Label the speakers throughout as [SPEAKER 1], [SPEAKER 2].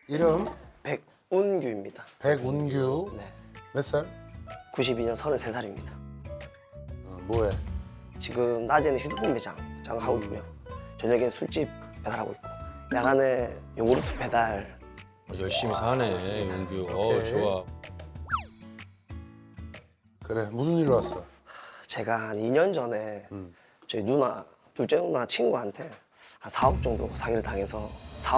[SPEAKER 1] 이름
[SPEAKER 2] 백운규입니다.
[SPEAKER 1] 백운규.
[SPEAKER 2] 네.
[SPEAKER 1] 몇 살?
[SPEAKER 2] 92년 33살입니다.
[SPEAKER 1] 뭐해?
[SPEAKER 2] 지금 낮에는 휴대폰 매장 하고 있고요. 저녁에는 술집 배달하고 있고 야간에 요구르트 배달.
[SPEAKER 3] 열심히 사네, 용규.
[SPEAKER 1] 오케이.
[SPEAKER 3] 좋아.
[SPEAKER 1] 그래, 무슨 일로 왔어?
[SPEAKER 2] 제가 한 2년 전에 저희 누나, 둘째 누나 친구한테 한 4억 정도 사기를 당해서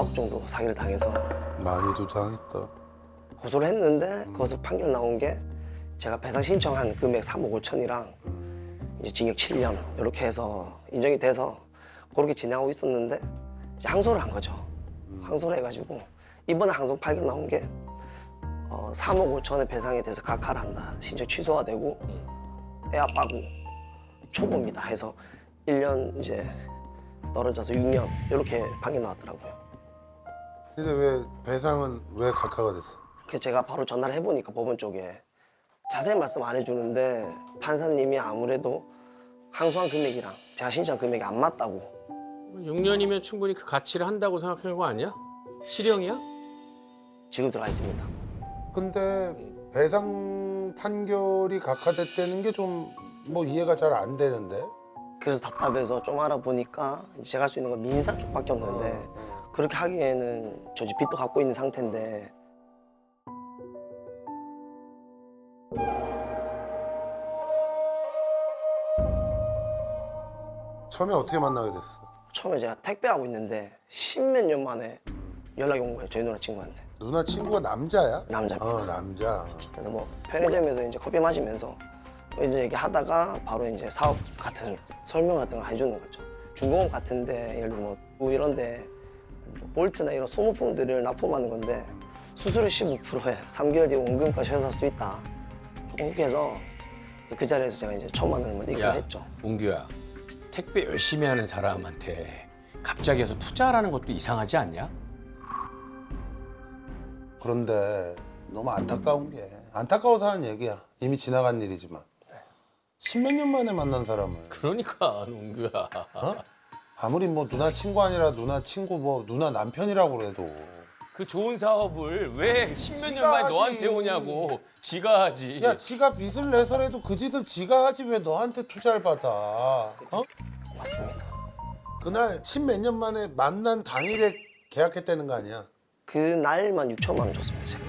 [SPEAKER 1] 많이도 당했다.
[SPEAKER 2] 고소를 했는데 거기서 판결 나온 게 제가 배상 신청한 금액 3억 5천이랑 이제 징역 7년 이렇게 해서 인정이 돼서 그렇게 진행하고 있었는데 이제 항소를 한 거죠. 항소를 해가지고 이번에 항소 판결 나온 게 3억 5천의 배상에 대해서 각하를 한다. 신청 취소가 되고 애 아빠고 초보입니다 해서 1년 이제 떨어져서 6년 이렇게 판결 나왔더라고요.
[SPEAKER 1] 근데 왜 배상은 왜 각하가 됐어?
[SPEAKER 2] 그래서 제가 바로 전화를 해보니까 법원 쪽에 자세히 말씀 안 해주는데 판사님이 아무래도 항소한 금액이랑 제가 신청한 금액이 안 맞다고.
[SPEAKER 3] 6년이면 충분히 그 가치를 한다고 생각하는 거 아니야? 실형이야?
[SPEAKER 2] 지금 들어가 있습니다.
[SPEAKER 1] 근데 배상 판결이 각하됐다는 게 좀 뭐 이해가 잘 안 되는데.
[SPEAKER 2] 그래서 답답해서 좀 알아보니까 이제 제가 할 수 있는 건 민사 쪽밖에 없는데 그렇게 하기에는 저 집 빚도 갖고 있는 상태인데
[SPEAKER 1] 처음에 어떻게 만나게 됐어?
[SPEAKER 2] 처음에 제가 택배하고 있는데 십몇 년 만에 연락이 온 거예요. 저희 누나 친구한테.
[SPEAKER 1] 누나 친구가 남자야?
[SPEAKER 2] 남자입니다.
[SPEAKER 1] 남자.
[SPEAKER 2] 그래서 뭐 편의점에서 이제 커피 마시면서 이제 얘기하다가 바로 이제 사업 같은 설명 같은 거 해주는 거죠. 중공업 같은데 예를 들어 뭐 이런데 뭐 볼트나 이런 소모품들을 납품하는 건데 수수료 15%에 3개월 뒤에 원금까지 회수할 수 있다. 조금 그렇게 해서 그 자리에서 제가 이제 처음 만나는 걸 얘기를 했죠.
[SPEAKER 3] 용규야. 택배 열심히 하는 사람한테 갑자기 해서 투자라는 것도 이상하지 않냐?
[SPEAKER 1] 그런데 너무 안타까운 게 안타까워서 하는 얘기야. 이미 지나간 일이지만. 십몇 년 만에 만난 사람을
[SPEAKER 3] 그러니까, 용규야.
[SPEAKER 1] 아무리 뭐 누나 친구 아니라 누나 친구 뭐 누나 남편이라고 그래도
[SPEAKER 3] 그 좋은 사업을 왜 십몇 년
[SPEAKER 1] 지가
[SPEAKER 3] 만에
[SPEAKER 1] 하지.
[SPEAKER 3] 너한테 오냐고. 지가 하지.
[SPEAKER 1] 야 지가 빚을 내서라도 그 짓을 지가 하지 왜 너한테 투자를 받아?
[SPEAKER 2] 맞습니다.
[SPEAKER 1] 그날 십몇 년 만에 만난 당일에 계약했다는 거 아니야?
[SPEAKER 2] 그 날만 6천만 원 줬습니다. 제가.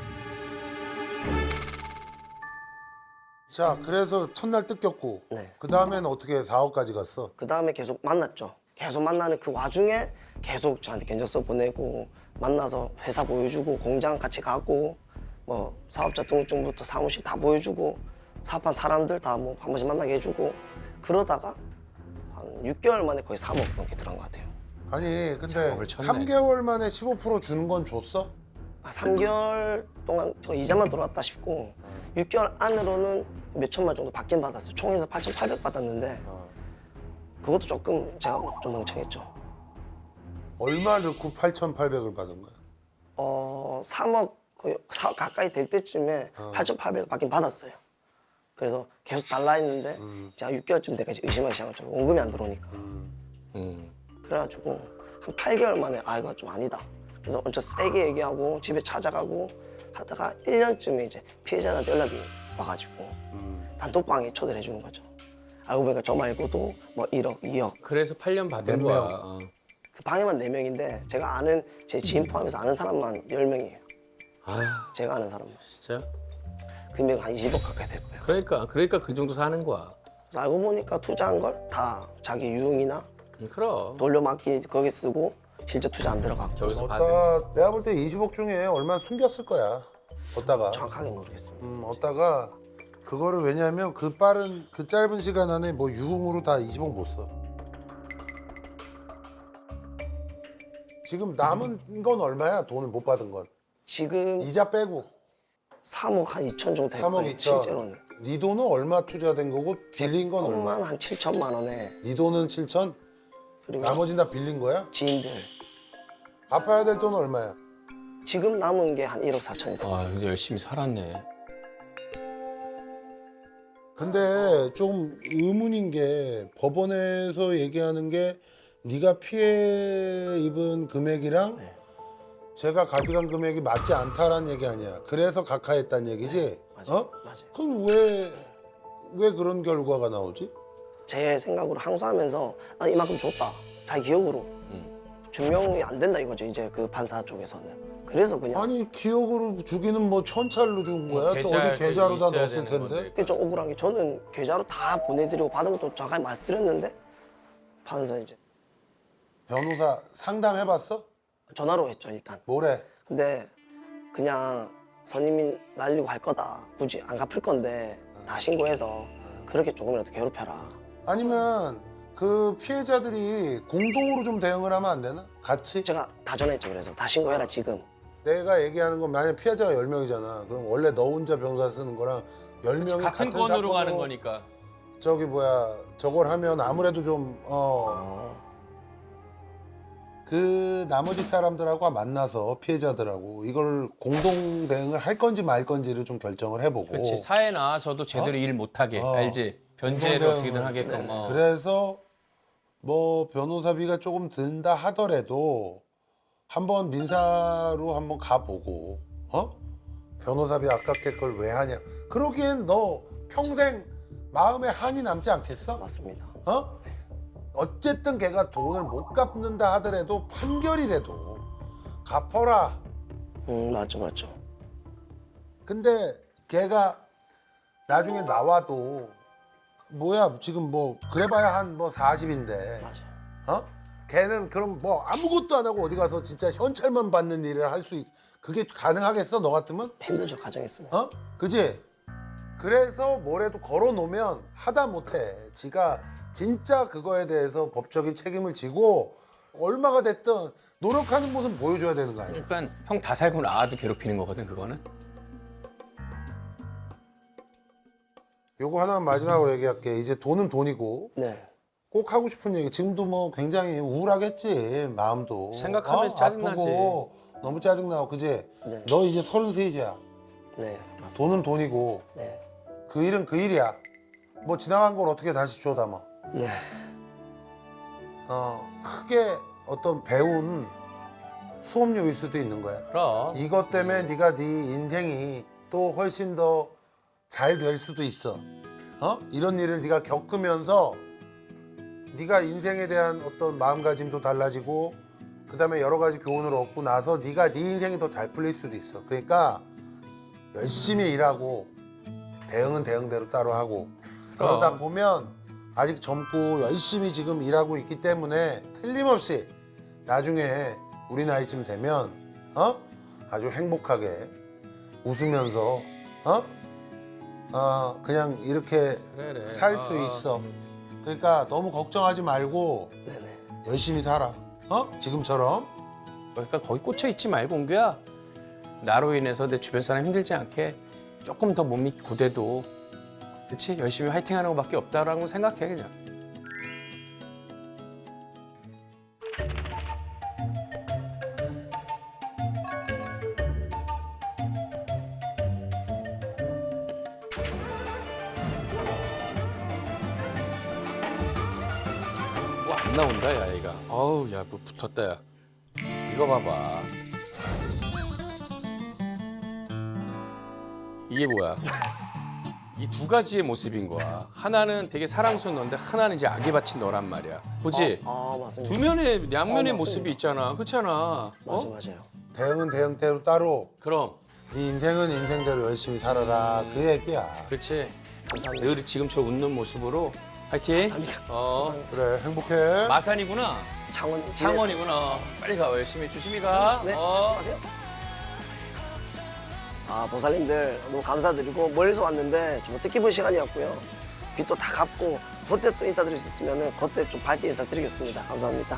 [SPEAKER 1] 자 그래서 첫날 뜯겼고
[SPEAKER 2] 네.
[SPEAKER 1] 그 다음에는 어떻게 4억까지 갔어?
[SPEAKER 2] 그 다음에 계속 만났죠. 계속 만나는 그 와중에 계속 저한테 견적서 보내고 만나서 회사 보여주고 공장 같이 가고 뭐 사업자 등록증부터 사무실 다 보여주고 사업한 사람들 다 뭐 한 번씩 만나게 해주고 그러다가 한 6개월 만에 거의 3억 넘게 들어간 것 같아요.
[SPEAKER 1] 아니 근데
[SPEAKER 3] 작업을 쳤네.
[SPEAKER 1] 3개월 만에 15% 주는 건 줬어?
[SPEAKER 2] 3개월 동안 저 이자만 들어왔다 싶고 6개월 안으로는 몇 천만 정도 받긴 받았어요. 총에서 8,800 받았는데 그것도 조금 제가 좀 멍청했죠.
[SPEAKER 1] 얼마 넣고 8,800을 받은 거야?
[SPEAKER 2] 3억 거의 가까이 될 때쯤에 8,800 받긴 받았어요. 그래서 계속 달라 했는데 제가 6개월쯤 돼까지 의심하기 시작한 거죠. 원금이 안 들어오니까. 그래가지고 한 8개월 만에 아 이거 좀 아니다. 그래서 엄청 세게 얘기하고 집에 찾아가고 하다가 1년쯤에 이제 피해자한테 연락이 와가지고 단톡방에 초대를 해주는 거죠. 알고 보니까 저 말고도 뭐 1억, 2억
[SPEAKER 3] 그래서 8년 받은
[SPEAKER 1] 몇
[SPEAKER 3] 거야.
[SPEAKER 1] 명?
[SPEAKER 2] 그 방에만 4명인데 제가 아는 제 지인 포함해서 아는 사람만 10명이에요.
[SPEAKER 3] 아,
[SPEAKER 2] 제가 아는 사람만.
[SPEAKER 3] 진짜?
[SPEAKER 2] 금액 한 20억 가까이 될 거예요.
[SPEAKER 3] 그러니까 그 정도 사는 거야.
[SPEAKER 2] 그래서 알고 보니까 투자한 걸 다 자기 유흥이나
[SPEAKER 3] 그럼.
[SPEAKER 2] 돌려막기 거기 쓰고 실제 투자 안 들어갔고
[SPEAKER 3] 저기서 받은.
[SPEAKER 1] 얻다 내가 볼 때 20억 중에 얼마 숨겼을 거야. 얻다가
[SPEAKER 2] 정확하게 모르겠습니다.
[SPEAKER 1] 얻다가 그거를 왜냐하면 그 빠른 그 짧은 시간 안에 뭐 유흥으로 다 20억 못 써. 지금 남은 건 얼마야? 돈을 못 받은 건
[SPEAKER 2] 지금
[SPEAKER 1] 이자 빼고
[SPEAKER 2] 3억 한 2천 정도 될
[SPEAKER 1] 3억
[SPEAKER 2] 거예요.
[SPEAKER 1] 2천.
[SPEAKER 2] 실제로는.
[SPEAKER 1] 네 돈은 얼마 투자된 거고 빌린 건 얼마?
[SPEAKER 2] 돈만 한 7천만 원에
[SPEAKER 1] 네 돈은 7천?
[SPEAKER 2] 그리고
[SPEAKER 1] 나머지는 다 빌린 거야?
[SPEAKER 2] 지인들
[SPEAKER 1] 갚아야 될 돈은 얼마야?
[SPEAKER 2] 지금 남은 게 한 1억 4천 있어요.
[SPEAKER 3] 아, 근데 열심히 살았네.
[SPEAKER 1] 근데 좀 의문인 게 법원에서 얘기하는 게 네가 피해 입은 금액이랑 제가 가져간 금액이 맞지 않다라는 얘기 아니야. 그래서 각하했다는 얘기지?
[SPEAKER 2] 맞아요.
[SPEAKER 1] 어?
[SPEAKER 2] 맞아요.
[SPEAKER 1] 그럼 왜 그런 결과가 나오지?
[SPEAKER 2] 제 생각으로 항소하면서 난 이만큼 줬다. 자기 기억으로 증명이 안 된다 이거죠. 이제 그 판사 쪽에서는. 그래서 그냥
[SPEAKER 1] 아니 기억으로 주기는 뭐 현찰로 준 거야? 또
[SPEAKER 3] 계좌에
[SPEAKER 1] 어디 계좌로 다
[SPEAKER 3] 있어야
[SPEAKER 1] 넣었을
[SPEAKER 3] 되는
[SPEAKER 1] 텐데?
[SPEAKER 3] 건데.
[SPEAKER 2] 그게 좀 억울한 게 저는 계좌로 다 보내드리고 받은 것도 정확하게 말씀드렸는데 판사 이제
[SPEAKER 1] 변호사 상담해봤어?
[SPEAKER 2] 전화로 했죠 일단.
[SPEAKER 1] 뭐래?
[SPEAKER 2] 근데 그냥 선임이 날리고 할 거다. 굳이 안 갚을 건데 다 신고해서 그렇게 조금이라도 괴롭혀라.
[SPEAKER 1] 아니면 그 피해자들이 공동으로 좀 대응을 하면 안 되나? 같이?
[SPEAKER 2] 제가 다 전화했죠. 그래서 다 신고해라 지금.
[SPEAKER 1] 내가 얘기하는 건 만약 피해자가 10명이잖아. 그럼 원래 너 혼자 변호사 쓰는 거랑 10명이
[SPEAKER 3] 같은 건으로 가는 거니까.
[SPEAKER 1] 저기 뭐야 저걸 하면 아무래도 좀 그 나머지 사람들하고 만나서 피해자들하고 이걸 공동 대응을 할 건지 말 건지를 좀 결정을 해보고.
[SPEAKER 3] 그렇지. 사회 나와서도 제대로 일 못하게 알지. 변제를
[SPEAKER 1] 공동
[SPEAKER 3] 어떻게든
[SPEAKER 1] 대응을.
[SPEAKER 3] 하게끔.
[SPEAKER 1] 그래서 뭐 변호사비가 조금 든다 하더라도 한번 민사로 한번 가보고 변호사비 아깝게 그걸 왜 하냐. 그러기엔 너 평생 마음에 한이 남지 않겠어?
[SPEAKER 2] 맞습니다.
[SPEAKER 1] 어쨌든 걔가 돈을 못 갚는다 하더라도 판결이라도 갚아라.
[SPEAKER 2] 맞죠.
[SPEAKER 1] 근데 걔가 나중에 나와도 뭐야 지금 뭐 그래봐야 한 뭐 40인데
[SPEAKER 2] 맞아요.
[SPEAKER 1] 걔는 그럼 뭐 아무것도 안 하고 어디 가서 진짜 현찰만 받는 일을 할 수 그게 가능하겠어 너 같으면?
[SPEAKER 2] 힘들죠 가정했으면.
[SPEAKER 1] 그지? 그래서 뭐래도 걸어놓으면 하다 못해. 지가 진짜 그거에 대해서 법적인 책임을 지고 얼마가 됐든 노력하는 모습 보여줘야 되는 거 아니야.
[SPEAKER 3] 그러니까 형 다 살고 나와도 괴롭히는 거거든 그거는.
[SPEAKER 1] 요거 하나만 마지막으로 얘기할게. 이제 돈은 돈이고
[SPEAKER 2] 네.
[SPEAKER 1] 꼭 하고 싶은 얘기. 지금도 뭐 굉장히 우울하겠지 마음도.
[SPEAKER 3] 생각하면서 짜증나지.
[SPEAKER 1] 아프고 너무 짜증나고 그지?
[SPEAKER 2] 네.
[SPEAKER 1] 너 이제 33이야.
[SPEAKER 2] 네. 맞습니다.
[SPEAKER 1] 돈은 돈이고
[SPEAKER 2] 네.
[SPEAKER 1] 그 일은 그 일이야. 뭐 지나간 걸 어떻게 다시 줘 담아.
[SPEAKER 2] 네.
[SPEAKER 1] 크게 어떤 배운 수업료일 수도 있는 거야.
[SPEAKER 3] 그럼.
[SPEAKER 1] 이것 때문에 네가 네 인생이 또 훨씬 더 잘 될 수도 있어. 이런 일을 네가 겪으면서 네가 인생에 대한 어떤 마음가짐도 달라지고 그다음에 여러 가지 교훈을 얻고 나서 네가 네 인생이 더 잘 풀릴 수도 있어. 그러니까 열심히 일하고 대응은 대응대로 따로 하고 그러다 보면 아직 젊고 열심히 지금 일하고 있기 때문에 틀림없이 나중에 우리 나이쯤 되면 아주 행복하게 웃으면서 그냥 이렇게
[SPEAKER 3] 그래.
[SPEAKER 1] 살 수 있어. 그러니까 너무 걱정하지 말고
[SPEAKER 2] 네네.
[SPEAKER 1] 열심히 살아. 지금처럼.
[SPEAKER 3] 그러니까 거기 꽂혀 있지 말고 옹규야. 나로 인해서 내 주변 사람 힘들지 않게 조금 더 몸이 고돼도 그렇지 열심히 화이팅하는 것밖에 없다라고 생각해 그냥. 뭐 안 나온다 야 얘가. 어우 야 뭐 붙었다 야. 이거 봐봐. 이게 뭐야? 이 두 가지의 모습인 거야. 하나는 되게 사랑스러운 너인데 하나는 이제 악에 바친 너란 말이야. 보지?
[SPEAKER 2] 맞습니다.
[SPEAKER 3] 두 면의 양면의
[SPEAKER 2] 맞습니다.
[SPEAKER 3] 모습이 있잖아. 그렇잖아.
[SPEAKER 2] 맞아요.
[SPEAKER 1] 대응은 대응대로 따로
[SPEAKER 3] 그럼
[SPEAKER 1] 네 인생은 인생대로 열심히 살아라. 그 얘기야.
[SPEAKER 3] 그렇지.
[SPEAKER 2] 감사합니다.
[SPEAKER 3] 늘 지금처럼 웃는 모습으로 화이팅.
[SPEAKER 2] 감사합니다. 감사합니다.
[SPEAKER 1] 그래 행복해.
[SPEAKER 3] 마산이구나. 창원이구나. 빨리 가. 열심히 조심히 가.
[SPEAKER 2] 네. 수고하세요. 보살님들 너무 감사드리고 멀리서 왔는데 좀 뜻깊은 시간이었고요. 빚도 다 갚고 그때 또 인사드릴 수 있으면 그때 좀 밝게 인사드리겠습니다. 감사합니다.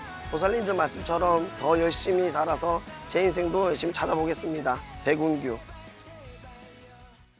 [SPEAKER 2] 보살님들 말씀처럼 더 열심히 살아서 제 인생도 열심히 찾아보겠습니다. 백운규